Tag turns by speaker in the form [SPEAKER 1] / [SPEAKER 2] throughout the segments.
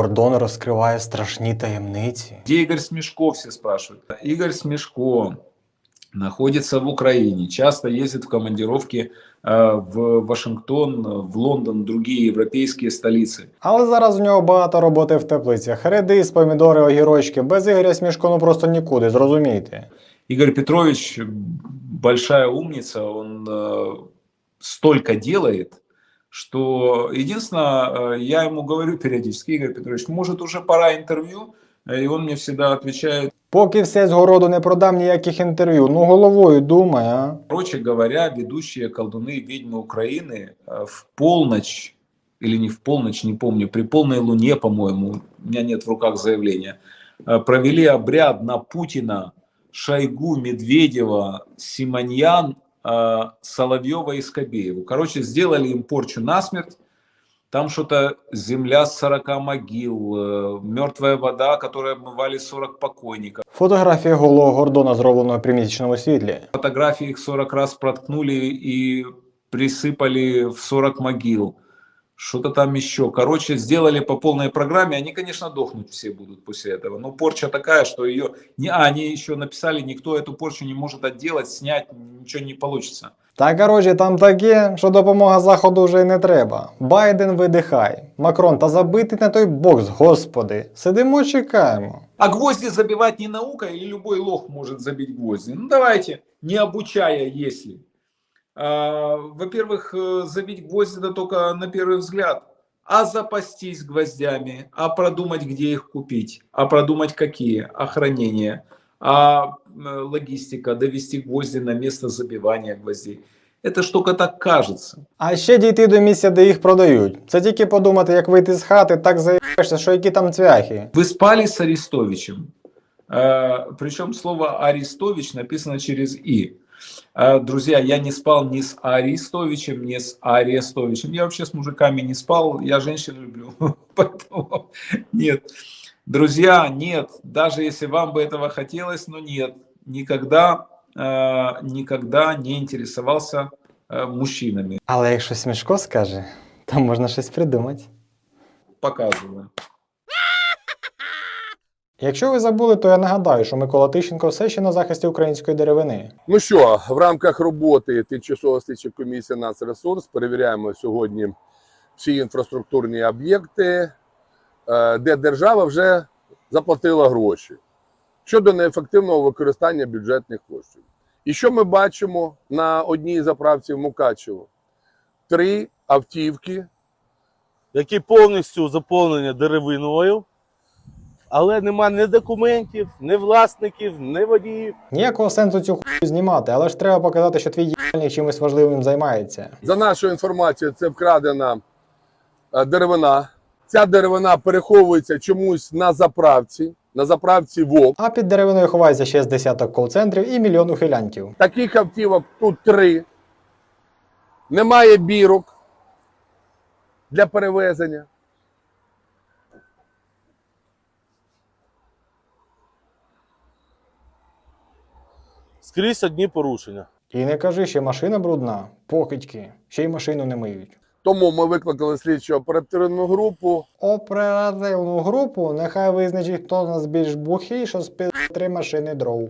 [SPEAKER 1] Гордон розкриває страшні таємниці.
[SPEAKER 2] Где Игорь Смешко, все спрашивают. Игорь Смешко находится в Украине, часто ездит в командировки в Вашингтон, в Лондон, другие европейские столицы.
[SPEAKER 1] Але зараз у нього багато роботи в теплицях. Редис, помідори, огірочки. Без Ігоря Смішко ну просто нікуди, зрозумійте.
[SPEAKER 2] Игорь Петрович большая умница, он столько делает, что единственное, я ему говорю периодически: Игорь Петрович, может уже пора интервью, и он мне всегда отвечает:
[SPEAKER 1] Поки все з городу не продам, ніяких інтерв'ю. Ну головою думай, а.
[SPEAKER 2] короче говоря, ведущие колдуны и ведьмы Украины в полночь, или не в полночь, не помню, при полной луне, по-моему, у меня нет в руках заявления, провели обряд на Путина, Шойгу, Медведева, Симоньян, Соловьева и Скобееву. Короче, сделали им порчу насмерть. Там что-то земля с 40 могил, мертвая вода, которой обмывали 40 покойников.
[SPEAKER 1] Фотографія голого Гордона, зроблена при місячному світлі.
[SPEAKER 2] Фотографии их 40 раз проткнули и присыпали в 40 могил. Что-то там еще. Короче, сделали по полной программе. Они, конечно, дохнуть все будут после этого. Но порча такая, что ее... Они еще написали, никто эту порчу не может отделать, снять, ничего не получится.
[SPEAKER 1] Та коротше, там таке, що допомога Заходу вже й не треба. Байден видихай. Макрон, та забитий на той бокс, господи. Сидимо, чекаємо.
[SPEAKER 2] А гвозди забивать не наука, или любой лох может забить гвозди? Ну давайте, не обучая, если. Во-первых, забить гвозди это только на первый взгляд. А запастись гвоздями, а продумать, где их купить, а продумать какие, а хранение, а логистика, довести гвозди на место забивания гвоздей. Это ж только так кажется.
[SPEAKER 1] А ще дійти до місця, де їх продають. Це тільки подумати, як вийти з хати, так заїбаєшся, що які там цвяхи.
[SPEAKER 2] Вы спали с Арестовичем. Причем слово Арестович написано через «и». Друзья, я не спал ни с Арестовичем, ни с Арестовичем. Я вообще с мужиками не спал, я женщин люблю. Поэтому нет. Друзья, нет. Даже если вам бы этого хотелось, но нет. Никогда не интересовался мужчинами.
[SPEAKER 1] Але якщо Смішко скаже, то можна щось придумати.
[SPEAKER 2] Показываю.
[SPEAKER 1] Якщо ви забули, то я нагадаю, що Микола Тищенко все ще на захисті української деревини.
[SPEAKER 3] Ну що, в рамках роботи Тимчасової слідчої комісії «Нацресурс» перевіряємо сьогодні всі інфраструктурні об'єкти, де держава вже заплатила гроші щодо неефективного використання бюджетних коштів. І що ми бачимо на одній заправці в Мукачево? 3 автівки,
[SPEAKER 4] які повністю заповнені деревиною, але нема ні документів, ні власників, ні водіїв.
[SPEAKER 1] Ніякого сенсу цю хуйню знімати, але ж треба показати, що твій їбальник чимось важливим займається.
[SPEAKER 3] За нашою інформацією, це вкрадена деревина. Ця деревина переховується чомусь на заправці ВОК.
[SPEAKER 1] А під деревиною ховається ще з десяток кол-центрів і мільйон ухилянтів.
[SPEAKER 3] Таких автівок тут 3. Немає бірок для перевезення.
[SPEAKER 4] Скрізь одні порушення.
[SPEAKER 1] І не кажи, ще машина брудна, покидьки, ще й машину не миють.
[SPEAKER 3] Тому ми викликали слідчу оперативну групу.
[SPEAKER 1] Оперативну групу нехай визначить, хто з нас більш бухий, що спив 3 машини дров.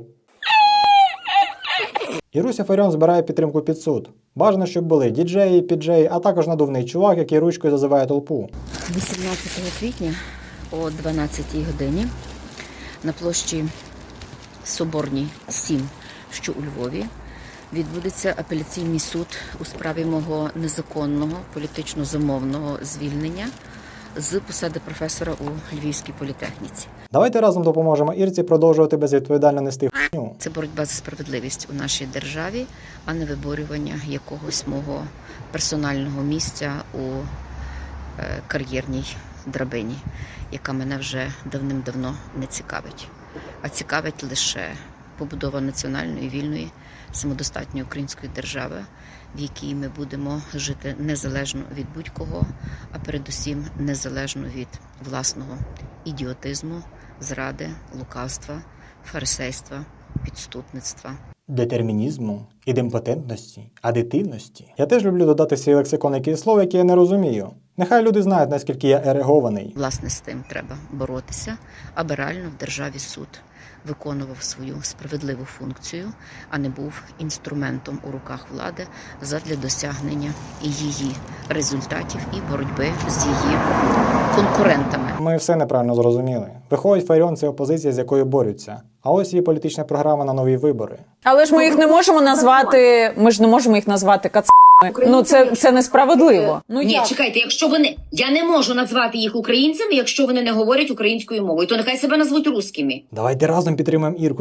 [SPEAKER 1] Іруся Фаріон збирає підтримку під суд. Бажано, щоб були діджеї, піджеї, а також надувний чувак, який ручкою зазиває толпу.
[SPEAKER 5] 18 квітня о 12 годині на площі Соборній, 7, що у Львові, відбудеться апеляційний суд у справі мого незаконного політично замовного звільнення з посади професора у Львівській політехніці.
[SPEAKER 1] Давайте разом допоможемо Ірці продовжувати безвідповідально нести хуйню.
[SPEAKER 5] Це боротьба за справедливість у нашій державі, а не виборювання якогось мого персонального місця у кар'єрній драбині, яка мене вже давним-давно не цікавить. А цікавить лише побудова національної, вільної, самодостатньої української держави, в якій ми будемо жити незалежно від будь-кого, а передусім незалежно від власного ідіотизму, зради, лукавства, фарисейства, підступництва.
[SPEAKER 1] Детермінізму, ідемпотентності, адитивності. Я теж люблю додати в свій лексикон якісь слова, які я не розумію. Нехай люди знають, наскільки я ерегований.
[SPEAKER 5] Власне, з тим треба боротися, аби реально в державі суд виконував свою справедливу функцію, а не був інструментом у руках влади задля досягнення і її результатів і боротьби з її конкурентами.
[SPEAKER 1] Ми все неправильно зрозуміли. Виходить, Фаріон – це опозиція, з якою борються. А ось її політична програма на нові вибори.
[SPEAKER 6] Але ж ми їх не можемо назвати. Ми ж не можемо їх назвати кацапами. Ну це несправедливо. Ну
[SPEAKER 7] Ні,
[SPEAKER 6] як?
[SPEAKER 7] чекайте, якщо вони. Я не можу назвати їх українцями, якщо вони не говорять українською мовою, то нехай себе назвуть русскими.
[SPEAKER 1] Давайте разом підтримаємо Ірку.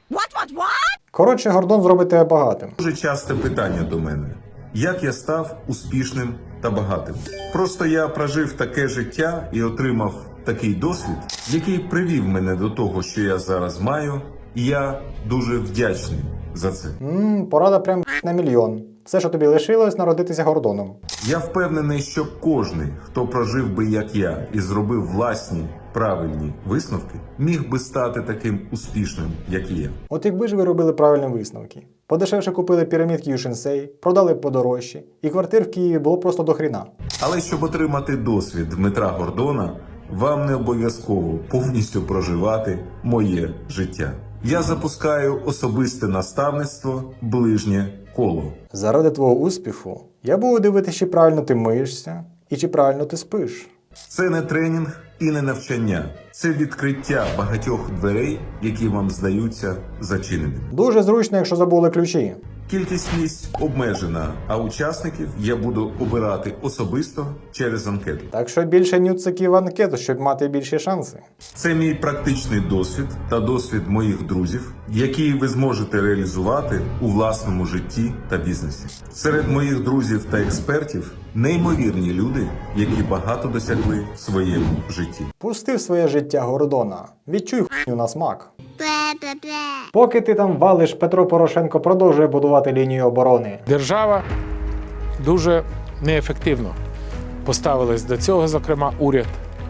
[SPEAKER 1] Коротше, Гордон зробить тебе багатим.
[SPEAKER 8] Дуже часте питання до мене: як я став успішним та багатим? Просто я прожив таке життя і отримав такий досвід, який привів мене до того, що я зараз маю, і я дуже вдячний за це.
[SPEAKER 1] Порада прям на мільйон. Все, що тобі лишилось, народитися Гордоном.
[SPEAKER 8] Я впевнений, що кожний, хто прожив би як я і зробив власні правильні висновки, міг би стати таким успішним, як і я.
[SPEAKER 1] От якби ж ви робили правильні висновки. Подешевше купили пірамідки Юшенсей, продали подорожчі, і квартир в Києві було просто до хріна.
[SPEAKER 8] Але щоб отримати досвід Дмитра Гордона, вам не обов'язково повністю проживати моє життя. Я запускаю особисте наставництво «Ближнє коло».
[SPEAKER 1] Заради твого успіху я буду дивитися, чи правильно ти миєшся і чи правильно ти спиш.
[SPEAKER 8] Це не тренінг і не навчання. Це відкриття багатьох дверей, які вам здаються зачиненими.
[SPEAKER 1] Дуже зручно, якщо забули ключі.
[SPEAKER 8] Кількість місць обмежена, а учасників я буду обирати особисто через анкету.
[SPEAKER 1] Так що більше нюциків в анкету, щоб мати більші шанси.
[SPEAKER 8] Це мій практичний досвід та досвід моїх друзів, який ви зможете реалізувати у власному житті та бізнесі. Серед моїх друзів та експертів неймовірні люди, які багато досягли в своєму житті.
[SPEAKER 1] Пусти в своє життя Гордона. Відчуй хуйню на смак. Поки ти там валиш, Петро Порошенко продовжує будувати лінію оборони.
[SPEAKER 9] Держава дуже неефективно поставилась до цього, зокрема уряд.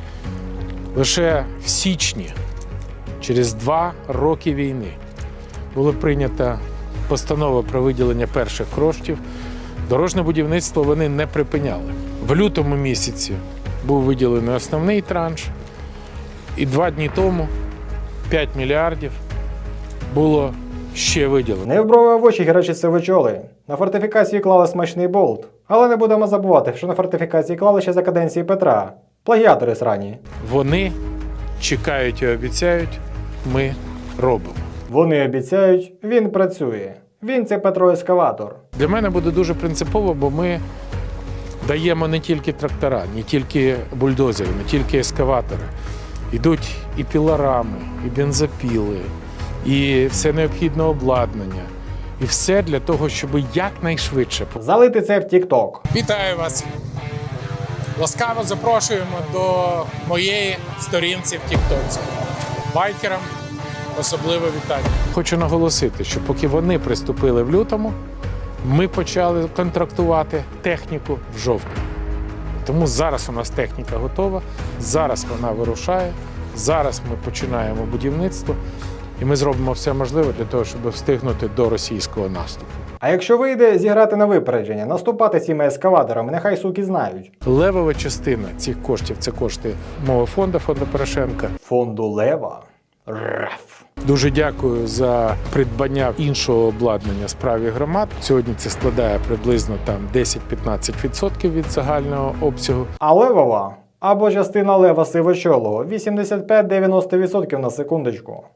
[SPEAKER 9] Лише в січні, через 2 роки війни, була прийнята постанова про виділення перших коштів. Дорожнє будівництво вони не припиняли. В лютому місяці був виділений основний транш, і 2 дні тому 5 мільярдів було ще виділено.
[SPEAKER 1] Не в брови, а в очі гірчаться вечоли. На фортифікації клали смачний болт. Але не будемо забувати, що на фортифікації клали ще за каденції Петра. Плагіатори срані.
[SPEAKER 9] Вони чекають і обіцяють, ми робимо.
[SPEAKER 1] Вони обіцяють, він працює. Він це Петро Ескаватор.
[SPEAKER 9] Для мене буде дуже принципово, бо ми даємо не тільки трактора, не тільки бульдозери, не тільки ескаватори. Йдуть і пілорами, і бензопіли, і все необхідне обладнання. І все для того, щоб якнайшвидше.
[SPEAKER 1] Залити це в TikTok.
[SPEAKER 9] Вітаю вас! Ласкаво запрошуємо до моєї сторінці в TikTok. Байкерам особливе вітання. Хочу наголосити, що поки вони приступили в лютому, ми почали контрактувати техніку в жовтні. Тому зараз у нас техніка готова, зараз вона вирушає, зараз ми починаємо будівництво, і ми зробимо все можливе для того, щоб встигнути до російського наступу.
[SPEAKER 1] А якщо вийде зіграти на випередження, наступати цими ескаваторами, нехай суки знають.
[SPEAKER 9] Левова частина цих коштів – це кошти мого фонду Порошенка.
[SPEAKER 1] Фонду Лева? Раф.
[SPEAKER 9] Дуже дякую за придбання іншого обладнання справі громад. Сьогодні це складає приблизно там 10-15% від загального обсягу.
[SPEAKER 1] А Левова? Або частина Лева Сивочолого 85-90% на секундочку.